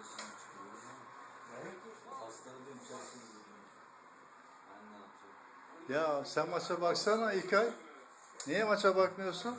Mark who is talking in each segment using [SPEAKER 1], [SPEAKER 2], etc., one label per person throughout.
[SPEAKER 1] Ya sen maça baksana İlkay. Niye maça bakmıyorsun?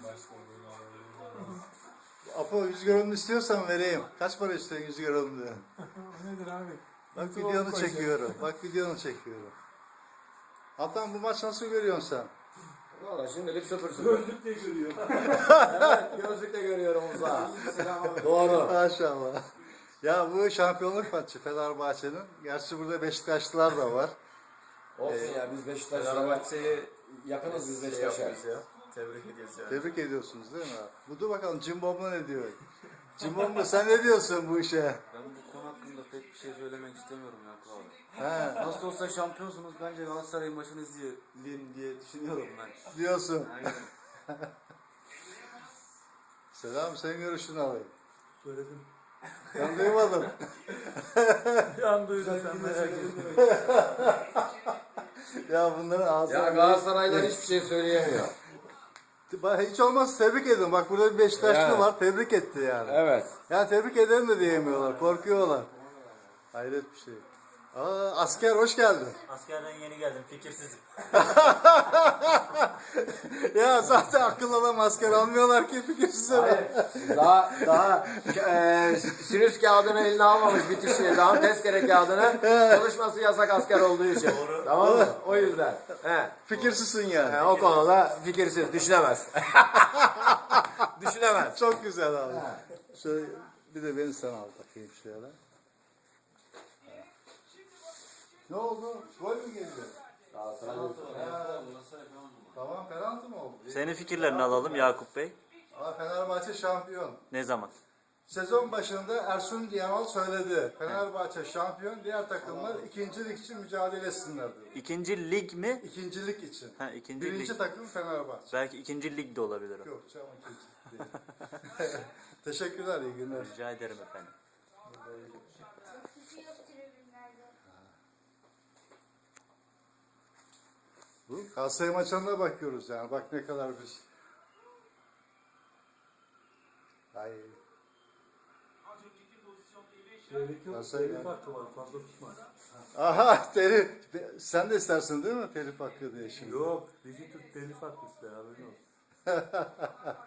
[SPEAKER 1] Apo 100 gramını istiyorsan vereyim. Kaç para istiyorsun 100 gramını?
[SPEAKER 2] Nedir abi?
[SPEAKER 1] Bak videonu çekiyorum. Bak videonu çekiyorum. Hatta bu maç nasıl görüyorsun sen?
[SPEAKER 3] Valla şimdilik 0-0.
[SPEAKER 2] Gözlükle görüyor.
[SPEAKER 3] Evet, gözlükle görüyorum uzağa. Doğru.
[SPEAKER 1] Maşallah. Ya bu şampiyonluk maçı Fenerbahçe'nin. Gerçi burada Beşiktaşlılar da var.
[SPEAKER 3] Olsun ya biz Beşiktaş'la yakınız biz Beşiktaş'a.
[SPEAKER 4] Tebrik ediyoruz yani.
[SPEAKER 1] Tebrik ediyorsunuz değil mi? Bu dur bakalım Cimbom'la ne diyor? Cimbom'la sen ne diyorsun bu işe?
[SPEAKER 4] Ben bu konu hakkında pek bir şey söylemek istemiyorum ya kral.
[SPEAKER 1] He,
[SPEAKER 4] Nasıl olsa şampiyonsunuz, bence Galatasaray'ın maçını izleyelim diye düşünüyorum ben.
[SPEAKER 1] diyorsun.
[SPEAKER 4] Aynen.
[SPEAKER 1] Selam, senin görüşünü alayım.
[SPEAKER 2] Söyledim.
[SPEAKER 1] Ben duymadım.
[SPEAKER 2] Yan duydum sen merak etme.
[SPEAKER 1] Ya bunların ağzına...
[SPEAKER 3] Ya Galatasaray'dan hiçbir şey söyleyemiyor.
[SPEAKER 1] Hiç olmazsa tebrik edin. Bak burada bir Beşiktaşlı
[SPEAKER 3] Evet.
[SPEAKER 1] var. Tebrik etti yani.
[SPEAKER 3] Evet.
[SPEAKER 1] Ya tebrik ederim de diyemiyorlar. Korkuyorlar. Hayret bir şey. Aa, asker hoş geldin.
[SPEAKER 5] Askerden yeni geldim, fikirsizim.
[SPEAKER 1] Ya zaten akıllı adam asker almıyorlar ki fikirsiz adam.
[SPEAKER 3] Daha sinüs kağıdını eline almamış bitişi. Daha tezkere kağıdını konuşması yasak asker olduğu için. Tamam mı? O yüzden. He.
[SPEAKER 1] Fikirsizsin yani.
[SPEAKER 3] O konuda fikirsiz, düşünemez. Düşünemez.
[SPEAKER 1] Çok güzel abi. Şöyle bir de beni sen al bakayım şöyle. Ne oldu? Gol mü geldi? Tamam penaltı mı oldu?
[SPEAKER 5] Senin fikirlerini alalım Yakup Bey.
[SPEAKER 1] Aa, Fenerbahçe şampiyon.
[SPEAKER 5] Ne zaman?
[SPEAKER 1] Sezon başında Ersun Yanal söyledi. Fenerbahçe şampiyon, diğer takımlar ikincilik için mücadele etsinler dedi.
[SPEAKER 5] İkinci lig mi?
[SPEAKER 1] İkincilik için.
[SPEAKER 5] Ha, ikinci
[SPEAKER 1] Birinci
[SPEAKER 5] lig.
[SPEAKER 1] takım Fenerbahçe.
[SPEAKER 5] Belki ikinci lig de olabilir o.
[SPEAKER 1] Yok canım ikincilik değil. Teşekkürler, iyi günler.
[SPEAKER 5] Rica ederim efendim.
[SPEAKER 1] Bu Galatasaray maçlarına bakıyoruz yani. Bak ne kadar biz. Ay.
[SPEAKER 2] Gerek yok.
[SPEAKER 1] Nasıl
[SPEAKER 2] Telif
[SPEAKER 1] yani?
[SPEAKER 2] hakkı var. Fazla tutma.
[SPEAKER 1] Aha telif. Sen de istersin değil mi telif hakkı diye şimdi?
[SPEAKER 2] Yok. Dizi Türk telif hakkı ister. Haberin olsun.